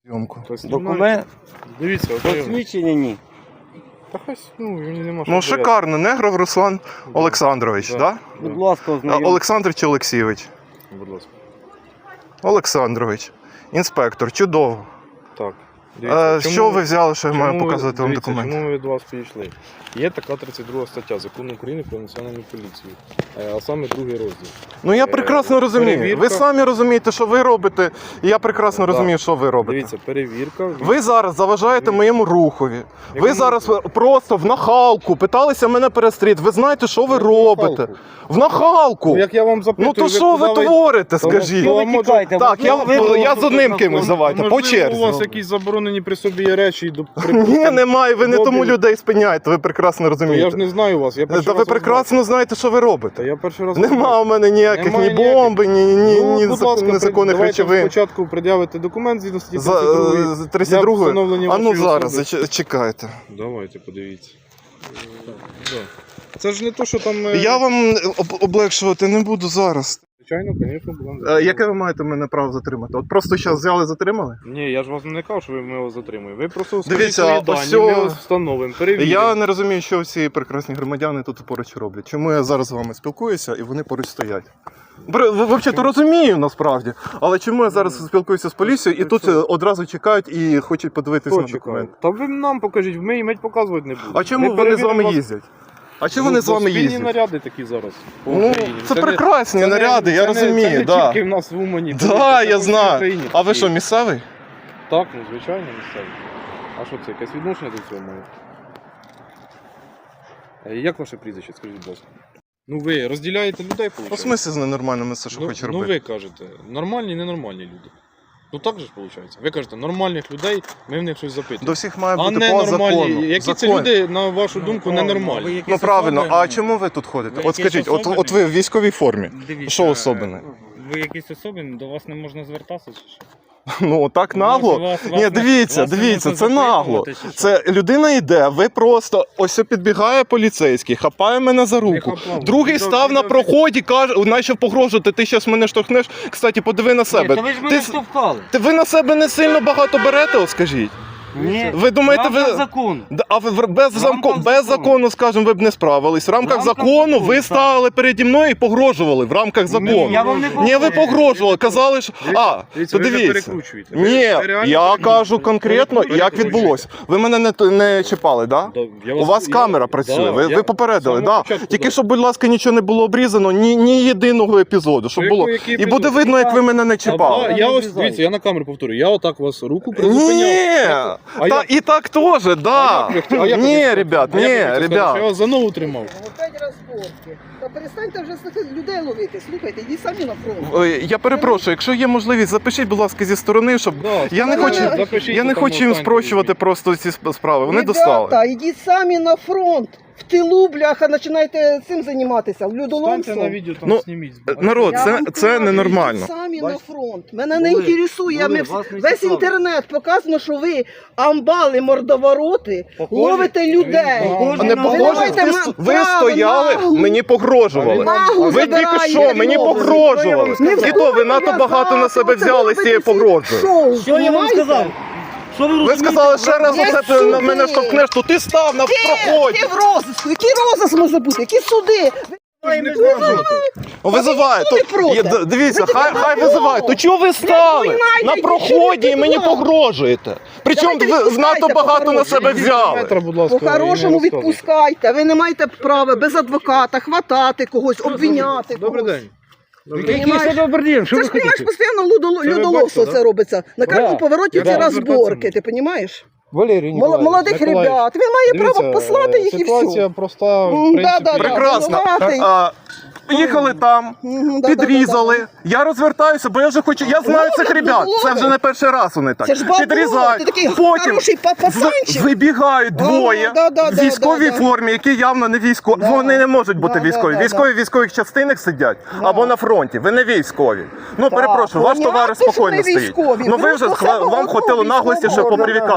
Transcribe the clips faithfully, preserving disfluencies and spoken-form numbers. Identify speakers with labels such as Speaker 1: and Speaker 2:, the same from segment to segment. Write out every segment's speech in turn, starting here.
Speaker 1: Зйомку.
Speaker 2: Документ.
Speaker 3: Дивіться, ознайомлюсь.
Speaker 2: Посвідчення ні.
Speaker 3: Та хай, ну, мені нема що
Speaker 1: Ну,
Speaker 3: боятися.
Speaker 1: шикарно. Негров Руслан Олександрович, так?
Speaker 3: Да.
Speaker 1: Да?
Speaker 2: Будь ласка,
Speaker 1: А,
Speaker 2: ознайомтесь.
Speaker 1: Олександр чи Олексійович?
Speaker 3: Будь ласка.
Speaker 1: Олександрович. Інспектор, чудово.
Speaker 3: Так.
Speaker 1: А,
Speaker 3: чому-
Speaker 1: що ви взяли, що я
Speaker 3: чому
Speaker 1: маю
Speaker 3: ви-
Speaker 1: показати вам
Speaker 3: дивіться,
Speaker 1: документи?
Speaker 3: Чому ми від вас підійшли? Є така тридцять друга стаття Закону України про національну поліцію, е, а саме другий розділ.
Speaker 1: Ну я
Speaker 3: Е,
Speaker 1: прекрасно розумію.
Speaker 3: перевірка.
Speaker 1: Ви самі розумієте, що ви робите, і я прекрасно
Speaker 3: Да.
Speaker 1: розумію, що ви робите.
Speaker 3: Дивіться, перевірка.
Speaker 1: Ви зараз заважаєте моєму рухові. Ви
Speaker 3: Якому
Speaker 1: зараз
Speaker 3: руху?
Speaker 1: просто в нахалку питалися мене перестріти. Ви знаєте, що ви
Speaker 3: Яку
Speaker 1: робите?
Speaker 3: нахалку?
Speaker 1: В нахалку.
Speaker 3: Ну, як я вам запитую,
Speaker 1: Ну то
Speaker 3: ви
Speaker 1: що ви
Speaker 3: куди
Speaker 1: творите,
Speaker 3: Тому
Speaker 1: скажіть?
Speaker 3: що-
Speaker 2: Ви
Speaker 3: може-
Speaker 2: тікайте,
Speaker 1: Так, я,
Speaker 2: можливо,
Speaker 1: я з
Speaker 2: тут
Speaker 1: одним
Speaker 2: на
Speaker 1: кимось
Speaker 2: фронті.
Speaker 1: давайте, по
Speaker 3: Можливо,
Speaker 1: черзі.
Speaker 3: у вас якісь заборонені при собі є речі і до
Speaker 1: Ні, немає, ви не
Speaker 3: Бобі.
Speaker 1: тому людей спиняєте, ви прекрасно
Speaker 3: Я
Speaker 1: розумієте.
Speaker 3: ж не знаю вас. Я перший
Speaker 1: Та ви
Speaker 3: раз вас
Speaker 1: прекрасно знаєте, що ви
Speaker 3: бачу. Та
Speaker 1: робите.
Speaker 3: я перший раз
Speaker 1: Нема
Speaker 3: вас
Speaker 1: у мене ніяких
Speaker 3: Немає
Speaker 1: ні
Speaker 3: ніяких.
Speaker 1: бомби, ні, ні,
Speaker 3: Ну,
Speaker 1: ні
Speaker 3: будь
Speaker 1: зак-
Speaker 3: ласка,
Speaker 1: незаконних
Speaker 3: давайте
Speaker 1: речовин.
Speaker 3: спочатку пред'явите документ згідно статті
Speaker 1: За,
Speaker 3: тридцять другої.
Speaker 1: е, з тридцять другої?
Speaker 3: Для встановлення
Speaker 1: А ну
Speaker 3: вашої
Speaker 1: зараз,
Speaker 3: особи.
Speaker 1: зач- чекайте.
Speaker 3: Давайте, подивіться. Да. Це ж не то, що там... е,
Speaker 1: Я вам об- облегшувати не буду зараз.
Speaker 3: Звичайно, звісно, будемо.
Speaker 1: Е, Яке ви маєте мене право затримати? От просто зараз взяли, затримали?
Speaker 3: Ні, я ж вас не казав, що ви ми вас затримуємо. Ви просто скажіть
Speaker 1: Дивіться,
Speaker 3: свої
Speaker 1: ось
Speaker 3: дані,
Speaker 1: цього-
Speaker 3: ми вас встановимо, перевіримо.
Speaker 1: Я не розумію, що всі прекрасні громадяни тут поруч роблять. Чому я зараз з вами спілкуюся і вони поруч стоять? Бр- ви- Взагалі-то розумію насправді, але чому я зараз спілкуюся з поліцією і тут е, одразу чекають і хочуть подивитися
Speaker 3: Хто
Speaker 1: на
Speaker 3: чекає?
Speaker 1: документи?
Speaker 3: Та ви нам покажіть, ми їм геть показувати не будемо.
Speaker 1: А чому
Speaker 3: Ми
Speaker 1: вони з вами
Speaker 3: перевіримо вас-
Speaker 1: їздять? А чому
Speaker 3: Ну,
Speaker 1: вони з
Speaker 3: бо
Speaker 1: вами
Speaker 3: спільні
Speaker 1: їздять?
Speaker 3: наряди такі зараз. по
Speaker 1: Ну,
Speaker 3: Україні.
Speaker 1: це
Speaker 3: не-
Speaker 1: прекрасні
Speaker 3: це не-
Speaker 1: наряди, я
Speaker 3: це не-
Speaker 1: розумію,
Speaker 3: Це не
Speaker 1: да.
Speaker 3: тільки в нас в Умані.
Speaker 1: Так,
Speaker 3: це
Speaker 1: я
Speaker 3: по всій
Speaker 1: знаю.
Speaker 3: Україні
Speaker 1: А ви
Speaker 3: такі.
Speaker 1: що, місцевий?
Speaker 3: Так, ну звичайно, місцеві. А що це, якесь відношення до цього має? Е, Як ваше прізвище, скажіть, будь ласка? Ну ви розділяєте людей,
Speaker 1: У
Speaker 3: виходить?
Speaker 1: смислі з ненормальними це що
Speaker 3: ну,
Speaker 1: хоче
Speaker 3: ну
Speaker 1: робити?
Speaker 3: ви кажете, нормальні і ненормальні люди. Ну так же ж виходить. Ви кажете, нормальних людей, ми в них щось запитуємо.
Speaker 1: До всіх має
Speaker 3: А
Speaker 1: бути по
Speaker 3: ненормальні,
Speaker 1: закону.
Speaker 3: які це
Speaker 1: Закон.
Speaker 3: люди, на вашу думку, ненормальні?
Speaker 1: Ну правильно, а чому ви тут ходите?
Speaker 4: Ви
Speaker 1: От
Speaker 4: якісь
Speaker 1: скажіть, от,
Speaker 4: особливі?
Speaker 1: от ви в військовій формі.
Speaker 4: Дивіться,
Speaker 1: Що особливе?
Speaker 4: Ви якісь особливі, до вас не можна звертатися чи що?
Speaker 1: Ну так нагло.
Speaker 4: Може, вас- вас
Speaker 1: Ні,
Speaker 4: не-
Speaker 1: дивіться,
Speaker 4: вас не
Speaker 1: дивіться,
Speaker 4: можна
Speaker 1: це нагло.
Speaker 4: запитувати, чи що?
Speaker 1: Це людина йде, ви просто ось підбігає поліцейський, хапає мене за руку.
Speaker 3: хапав.
Speaker 1: Другий
Speaker 3: Відео-
Speaker 1: став на
Speaker 3: відео-
Speaker 1: проході, каже, почав погрожувати, ти зараз мене штовхнеш. Кстати, подиви на себе.
Speaker 2: Ні, та ви ж
Speaker 1: Ти,
Speaker 2: мене
Speaker 1: с-
Speaker 2: штовхали.
Speaker 1: ти ви на себе не сильно багато берете, от скажіть.
Speaker 2: Ні.
Speaker 1: Ви думаєте,
Speaker 2: Рамках
Speaker 1: ви.
Speaker 2: закону.
Speaker 1: Да, А ви в- без,
Speaker 2: В
Speaker 1: замко...
Speaker 2: рамках
Speaker 1: без
Speaker 2: закону.
Speaker 1: закону, скажімо, ви б не справились. В рамках
Speaker 2: В рамках
Speaker 1: закону
Speaker 2: закону,
Speaker 1: ви
Speaker 2: так.
Speaker 1: стали переді мною і погрожували в рамках закону.
Speaker 2: Ні, я вам не
Speaker 1: Ні, ви погрожували, казали, що. А,
Speaker 3: Дивіться,
Speaker 1: то
Speaker 3: ви вже
Speaker 1: дивіться.
Speaker 3: перекручуєте. Ви-
Speaker 1: Ні,
Speaker 3: ви реально
Speaker 1: я
Speaker 3: перекручуєте.
Speaker 1: кажу конкретно, як
Speaker 3: Перекручуєте.
Speaker 1: відбулося. Ви мене не, не чіпали, так? Да?
Speaker 3: Да, я
Speaker 1: У вас
Speaker 3: я-
Speaker 1: камера
Speaker 3: да,
Speaker 1: працює, ви,
Speaker 3: я
Speaker 1: ви попередили,
Speaker 3: з самого
Speaker 1: да.
Speaker 3: початку,
Speaker 1: Тільки
Speaker 3: да.
Speaker 1: щоб, будь ласка, нічого не було обрізано, ні, ні єдиного епізоду, щоб
Speaker 3: Який-
Speaker 1: було.
Speaker 3: який
Speaker 1: І буде
Speaker 3: епізод?
Speaker 1: видно, як ви мене не
Speaker 3: А,
Speaker 1: чіпали.
Speaker 3: да, я ось,
Speaker 2: обрізаю.
Speaker 3: дивіться, я на камеру повторю, я отак вас руку призупиняв.
Speaker 1: Ні,
Speaker 3: А
Speaker 1: та,
Speaker 3: я-
Speaker 1: і так теж, да.
Speaker 3: А як ви- а як ви
Speaker 1: Ні,
Speaker 3: хотіли?
Speaker 1: ребят,
Speaker 3: А як ви
Speaker 1: ні,
Speaker 3: хотіли сказати,
Speaker 1: ребят.
Speaker 3: що я вас за ногу тримав.
Speaker 5: Опять розборки. Та перестаньте вже слухати, людей ловити. Слухайте, йдіть самі на фронт.
Speaker 1: Ой, я перепрошую, якщо є можливість, запишіть, будь ласка, зі сторони, щоб
Speaker 3: Да,
Speaker 1: я не
Speaker 5: Ну,
Speaker 1: хочу,
Speaker 5: запишіть,
Speaker 1: я не
Speaker 3: там
Speaker 1: хочу їм
Speaker 3: останнє
Speaker 1: спрощувати
Speaker 3: візьміть.
Speaker 1: просто ці сп- справи. Вони достали.
Speaker 5: Ребята, йдіть самі на фронт. В тилу, бляха, починайте цим займатися,
Speaker 3: Станьте на
Speaker 5: людоломством.
Speaker 3: відео, там
Speaker 1: Ну,
Speaker 3: зніміть.
Speaker 1: Народ,
Speaker 5: Я
Speaker 1: це,
Speaker 5: вам
Speaker 1: це
Speaker 5: кажу,
Speaker 1: ненормально.
Speaker 5: йдіть самі
Speaker 2: Бачите?
Speaker 5: на фронт. Мене не
Speaker 2: Були,
Speaker 5: інтересує.
Speaker 2: були,
Speaker 5: Ми,
Speaker 2: вас не
Speaker 5: весь
Speaker 2: цікавить.
Speaker 5: інтернет показано, що ви амбали, мордовороти,
Speaker 2: Похожі?
Speaker 5: ловите людей.
Speaker 2: Похожі
Speaker 1: А не
Speaker 2: на
Speaker 5: Ви
Speaker 1: похоже,
Speaker 5: маєте
Speaker 1: ви,
Speaker 5: ма-
Speaker 1: с- ви
Speaker 5: право
Speaker 1: стояли,
Speaker 5: наглу.
Speaker 1: мені погрожували.
Speaker 5: Наглу
Speaker 1: Ви тільки
Speaker 5: забираєте
Speaker 1: що, мені
Speaker 5: мови.
Speaker 1: погрожували.
Speaker 5: Не
Speaker 1: І то ви надто багато на себе взяли з цією погрожою.
Speaker 5: Шоу,
Speaker 2: Що я вам
Speaker 5: понімаєте?
Speaker 2: сказав? Що ви
Speaker 1: Ви
Speaker 2: розумієте?
Speaker 1: сказали, ще раз
Speaker 5: Є
Speaker 1: оце ти на
Speaker 5: суди.
Speaker 1: мене штовхнеш, то ти став на проході.
Speaker 5: Які в розиску? Який розиск може бути? Які суди?
Speaker 1: Визиває.
Speaker 5: Ніхто
Speaker 1: То,
Speaker 5: не проти.
Speaker 1: є, д- дивіться,
Speaker 5: Ви
Speaker 1: хай,
Speaker 5: тільки
Speaker 1: хай
Speaker 5: на
Speaker 1: визиває.
Speaker 5: нього.
Speaker 1: То чого ви стали
Speaker 5: виймайте,
Speaker 1: на
Speaker 5: що
Speaker 1: проході
Speaker 5: ви
Speaker 1: і мені
Speaker 5: туди?
Speaker 1: погрожуєте? Причому
Speaker 5: Давайте
Speaker 1: ви
Speaker 5: відпускайте
Speaker 1: надто багато на
Speaker 5: по-хорошому.
Speaker 1: себе взяли.
Speaker 3: Метра, будь ласка,
Speaker 5: По-хорошому
Speaker 3: і не розказуйте.
Speaker 5: відпускайте. Ви не маєте права без адвоката хватати когось, обвиняти
Speaker 3: Добрий
Speaker 5: когось.
Speaker 3: день.
Speaker 2: Який ще добрий день? Що
Speaker 5: Це
Speaker 2: ви
Speaker 5: ж, розумієш,
Speaker 2: хочете?
Speaker 5: постійно людоло-
Speaker 3: Це ви
Speaker 5: людоловство
Speaker 3: бачите,
Speaker 5: це робиться. На
Speaker 2: Да.
Speaker 5: кожному повороті
Speaker 3: Я
Speaker 5: ці
Speaker 3: так
Speaker 5: розборки,
Speaker 3: звертатися
Speaker 5: ти розумієш?
Speaker 2: Валерій
Speaker 5: Мол-
Speaker 2: Ніколаєвич.
Speaker 5: Молодих
Speaker 3: Миколаївич,
Speaker 5: ребят. Він має
Speaker 3: Дивіться,
Speaker 5: право послати їх і
Speaker 3: ситуація
Speaker 5: все.
Speaker 3: проста, в
Speaker 5: М,
Speaker 3: принципі.
Speaker 5: да, да, да.
Speaker 1: Прекрасно.
Speaker 5: Винуватий.
Speaker 1: А, Їхали там,
Speaker 5: Мгм, да, да,
Speaker 1: підрізали.
Speaker 5: да,
Speaker 1: Я розвертаюся, бо я вже хочу. Я знаю
Speaker 5: Ловлять,
Speaker 1: цих ребят.
Speaker 5: ловлять.
Speaker 1: Це вже не перший раз вони так.
Speaker 5: Це ж бабло,
Speaker 1: Підрізають.
Speaker 5: ти такий
Speaker 1: Потім
Speaker 5: хороший па-
Speaker 1: в-
Speaker 5: пацанчик.
Speaker 1: вибігають
Speaker 5: Ага,
Speaker 1: двоє
Speaker 5: да, да,
Speaker 1: в
Speaker 5: да,
Speaker 1: військовій
Speaker 5: да, да.
Speaker 1: формі, які явно не військові.
Speaker 5: Да.
Speaker 1: Вони не можуть бути
Speaker 5: Да, да,
Speaker 1: військові.
Speaker 5: да,
Speaker 1: Військові в військових частинах сидять або на фронті. Ви не військові. Ну перепрошую, ваш
Speaker 5: понятно,
Speaker 1: товариш
Speaker 5: що
Speaker 1: спокійно
Speaker 5: ми
Speaker 1: стоїть.
Speaker 5: військові.
Speaker 1: Ну ви вже
Speaker 5: Просто
Speaker 1: хва-
Speaker 5: самого
Speaker 1: вам хватило
Speaker 5: одного
Speaker 1: наглості, щоб
Speaker 5: військового.
Speaker 1: попривітатися зі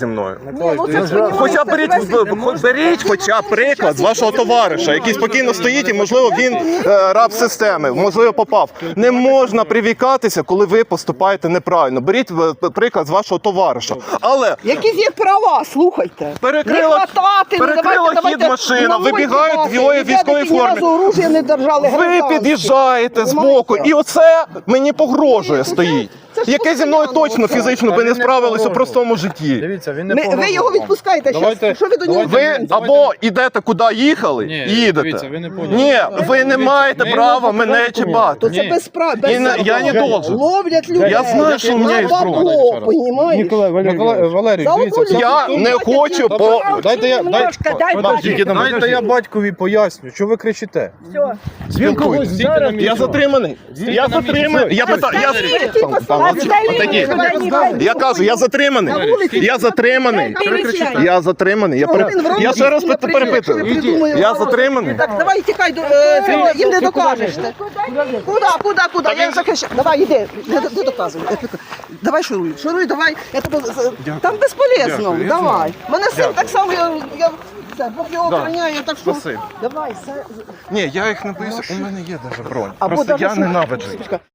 Speaker 1: мною.
Speaker 5: Ні, ну це ж понімаєте,
Speaker 1: Хоча
Speaker 5: це
Speaker 1: беріть,
Speaker 5: весь-
Speaker 1: хоч беріть хоча б приклад з вашого товариша, який спокійно стоїть і, можливо, він е, раб системи, можливо, попав. Не можна привікатися, коли ви поступаєте неправильно. Беріть е, приклад з вашого товариша. Але
Speaker 5: Якісь є права, слухайте.
Speaker 1: перекрила,
Speaker 5: не хватати, ну,
Speaker 1: перекрила
Speaker 5: давайте,
Speaker 1: хід
Speaker 5: давайте,
Speaker 1: машина,
Speaker 5: головою
Speaker 1: вибігають
Speaker 5: кидати.
Speaker 1: двоє в
Speaker 5: Ребята,
Speaker 1: військовій
Speaker 5: які ні разу
Speaker 1: формі.
Speaker 5: оружия не держали
Speaker 1: Ви
Speaker 5: гражданські.
Speaker 1: під'їжджаєте з
Speaker 5: Понимаєте?
Speaker 1: боку, і оце мені погрожує стоїть.
Speaker 5: це ж
Speaker 1: Яке зі мною
Speaker 5: постійно
Speaker 1: точно
Speaker 5: це.
Speaker 1: фізично
Speaker 3: Та
Speaker 1: би
Speaker 3: він
Speaker 1: не
Speaker 3: не
Speaker 1: справилися в
Speaker 3: погрожував.
Speaker 1: простому житті.
Speaker 3: Дивіться, він не
Speaker 5: Ми, ви
Speaker 3: погрожував
Speaker 5: його
Speaker 3: вам.
Speaker 5: відпускаєте
Speaker 3: Давайте-
Speaker 5: зараз. Що ви до нього?
Speaker 3: давайте-
Speaker 1: Ви або йдете куди їхали,
Speaker 3: Ні,
Speaker 1: і їдете.
Speaker 3: дивіться, ви не поняли.
Speaker 1: Ні, ви не
Speaker 3: Дивіться,
Speaker 1: маєте
Speaker 3: ми-
Speaker 1: права мене чіпати.
Speaker 5: То це
Speaker 3: Ні.
Speaker 5: без прав.
Speaker 1: І
Speaker 5: Без
Speaker 1: не-
Speaker 5: прав.
Speaker 1: я не должен.
Speaker 5: Ловлять людей.
Speaker 1: Я знаю, що у мене є
Speaker 5: На
Speaker 1: зброя.
Speaker 5: бабло, понімаєш?
Speaker 2: Николай
Speaker 3: Микола
Speaker 2: Валерьевич.
Speaker 3: Валерій,
Speaker 5: За
Speaker 3: дивіться,
Speaker 5: обоє.
Speaker 3: це-
Speaker 1: Я не хочу по...
Speaker 3: Дайте я, дай,
Speaker 5: Немножко, дай
Speaker 3: Подождіть,
Speaker 5: бачити.
Speaker 3: дайте я батькові поясню, що ви кричите.
Speaker 5: Все.
Speaker 2: Він когось
Speaker 3: Стійте
Speaker 2: зараз.
Speaker 3: на місці.
Speaker 1: Я затриманий. Я затриманий. Я питаю, я... Там, там, отойди. Я кажу, я затриманий.
Speaker 5: На вулиці.
Speaker 1: Я затриманий.
Speaker 5: Перечитай.
Speaker 1: Я затриманий. Я, пере-
Speaker 5: Він в Росії
Speaker 1: я ще раз
Speaker 5: не
Speaker 1: пер- перепитую.
Speaker 5: придумує, придумує
Speaker 1: Я
Speaker 5: ворог.
Speaker 1: затриманий.
Speaker 5: Так, давай тікай, до- е, це, їм не докажеш. ти. Куди, куди, куди? Я захищаю. Давай, іди, не, не доказуй. Я тобі- Давай шуруй, шуруй, давай. Я тебе... з- Там безполезно,
Speaker 1: Дякую, я
Speaker 5: давай. Мене син
Speaker 1: Дякую.
Speaker 5: так само, я... я це, Бог його
Speaker 1: Да.
Speaker 5: охороняє, так що...
Speaker 1: Спасибо.
Speaker 5: Давай, все.
Speaker 1: Ні, я їх не боюся, у мене є навіть бронь.
Speaker 5: Або
Speaker 1: Просто
Speaker 5: даже
Speaker 1: я
Speaker 5: що-
Speaker 1: ненавиджу їх.